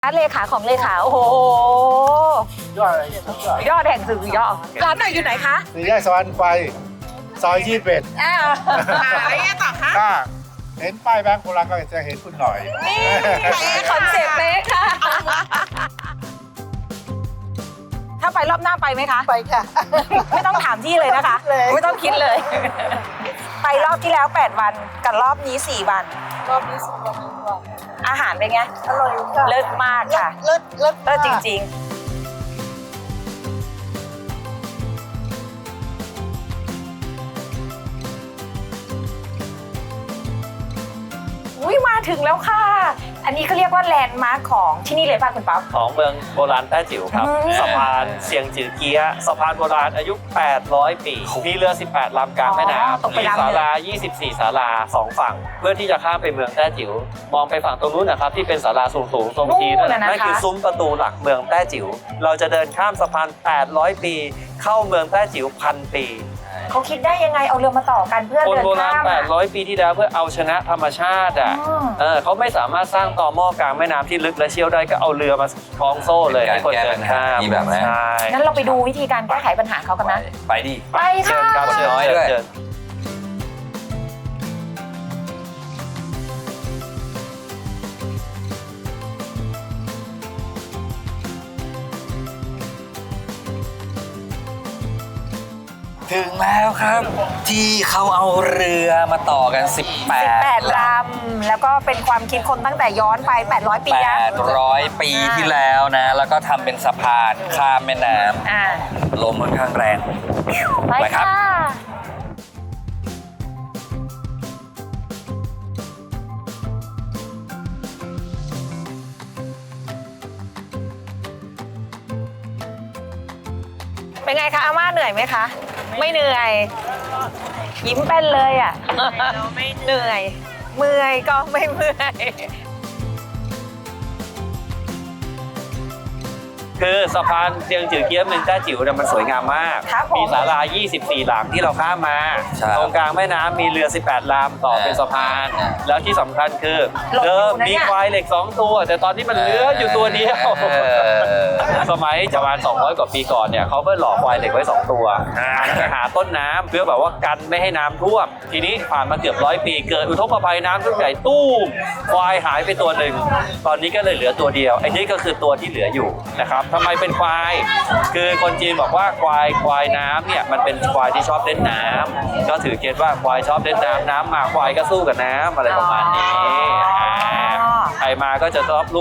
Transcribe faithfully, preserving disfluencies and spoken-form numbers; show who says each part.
Speaker 1: เลขาของเลขาโอ้โห
Speaker 2: ยอดอะไรยอด
Speaker 1: ยอดแห่งสื่อยอดร้านไหนอยู่ไหนคะ
Speaker 2: สี่แยกสวรรค์ไฟซอยยี่สิบเอ็ด
Speaker 1: อ้าว
Speaker 3: อะไรเงี้ยต่อคะ
Speaker 2: ถ้าเห็นป้ายแบงค์โบราณก็จะเห็นคุณหน่อย
Speaker 1: นี่คอนเซ็ปต์เลยค่ะ ถ้าไปรอบหน้าไปไหมคะ
Speaker 3: ไปค่ะ
Speaker 1: ไม่ต้องถามที่เลยนะคะ
Speaker 3: เลย
Speaker 1: ไม่ต้องคิดเลย ไปรอบที่แล้วแปดวันกับรอบนี้สี่วัน
Speaker 3: รอบนี้สุดยอดเลยค่ะ
Speaker 1: อาหารเป็นไง
Speaker 3: อร่อยค่ะ
Speaker 1: เลิศมากค่ะ
Speaker 3: เลิศเลิศ
Speaker 1: เลิศจริง ๆ อุ้ยมาถึงแล้วค่ะ อันนี้เขาเรียกว่าแลนด์มาร์คของที่นี่เลยป่ะคุณป๊อป
Speaker 4: ของเมืองโบราณแต้จิ๋วครับ
Speaker 1: อืม
Speaker 4: สะพานเสียงจือเกียะสะพานโบราณอายุ แปดร้อย ปี มีเรือ สิบแปด ลำกลางแม่น้
Speaker 1: อ๋อตก
Speaker 4: ำ
Speaker 1: ไป
Speaker 4: มี
Speaker 1: ลำหนึ่ง
Speaker 4: ศาลา ยี่สิบสี่ ศาลาสองฝั่ง เพื่อที่จะข้ามไปเมืองแต้จิ๋ว มองไปฝั่งตรงนู้นนะครับที่เป็นศาลาสูงๆทรงทีนั่นนะนั่นคือซุ้มประตูหลักเมืองแต้จิ๋ว เราจะเดินข้ามสะพาน แปดร้อย ปี เข้าเมืองแต้จิ๋วพันปี
Speaker 1: เขาคิดได้ยังไงเอาเรือมาต่อกันเพื่อ
Speaker 4: คน
Speaker 1: เดิน
Speaker 4: โบราณ
Speaker 1: ข้าม
Speaker 4: แป
Speaker 1: อะ
Speaker 4: ดร้อย ปีที่แล้วเพื่อเอาชนะธรรมชาติอ่ะ
Speaker 1: อืม
Speaker 4: เออเขาไม่สามารถสร้างต่อหม้อกลางแม่น้ำที่ลึกและเชี่ยวได้ก็เอาเรือมาคล้องโซ่เลยให้คนเดินข้าม
Speaker 5: มีแบบนั้น
Speaker 4: ใช่
Speaker 1: งั้นเราไปดูวิธีการแก้ไขปัญหาเขากันนะ
Speaker 5: ไปดิ
Speaker 1: ไป
Speaker 4: เชิ
Speaker 1: ค่ะ
Speaker 4: ญครับเชิญ
Speaker 5: น้อย
Speaker 4: เชิญ
Speaker 5: ด้วย
Speaker 4: เชิญ
Speaker 5: ถึงแล้วครับ ที่เขาเอาเรือมาต่อกัน
Speaker 1: สิบ
Speaker 5: 18
Speaker 1: แปดลำแล้วก็เป็นความคิดคนตั้งแต่ย้อนไปแปดร้อยปีนะ
Speaker 5: 800 ปีที่แล้วนะ แล้วก็ทำเป็นสะพานข้ามแม่น้
Speaker 1: อ่า
Speaker 5: ำลมค่อนข้างแรง
Speaker 1: ไป
Speaker 5: ไปครับ
Speaker 1: ค่ะเป็นไงคะอาม่าเหนื่อยไหมคะ ไม่เหนื่อย ยิ้มแป้นเลยอ่ะเหนื่อย เมื่อยก็ไม่เมื่อย
Speaker 4: คือสะพานเซียงจือเกี๊ยะเมืองแต้จิ๋วเนี่ยมันสวยงามมาก
Speaker 1: ครับผม
Speaker 4: มีศาลา ยี่สิบสี่ หลังที่เราข้ามมา
Speaker 5: ใช่
Speaker 4: ตรงกลางแม่น้ำมีเรือ สิบแปด ลำต่อเป็นสะพาน
Speaker 5: อ่า
Speaker 4: แล้วที่สำคัญคือ
Speaker 1: หลบอยู่
Speaker 4: เดิม
Speaker 1: นะเนี่ย
Speaker 4: มีควายเหล็กสองตัว แต่ตอนนี้มันเหลืออยู่ตัวเดียว
Speaker 5: เออ
Speaker 4: สมัยประมาณสองร้อยกว่าปีก่อนเนี่ยเขาก็หล่อควายเหล็กไว้สองตัวหันไปหาต้นน้ำเพื่อแบบว่ากันไม่ให้น้ำท่วมทีนี้ผ่านมาเกือบร้อยปีเกิดอุทกภัยน้ำท่วมใหญ่ตู้มควายหายไปตัวหนึ่งตอนนี้ก็เลยเหลือตัวเดียวไอ้นี่ก็คือตัวที่เหลืออยู่นะครับทำไมเป็นควายคือคนจีนบอกว่าควายควายน้ำเนี่ยมันเป็นควายที่ชอบเล่นน้ำก็ถือเกณฑ์ว่าควายชอบเล่นน้ำน้ำมาควายก็สู้กับน้ำอะไรประมาณนี้
Speaker 1: อ๋อ
Speaker 4: ใครมาก็จะชอบ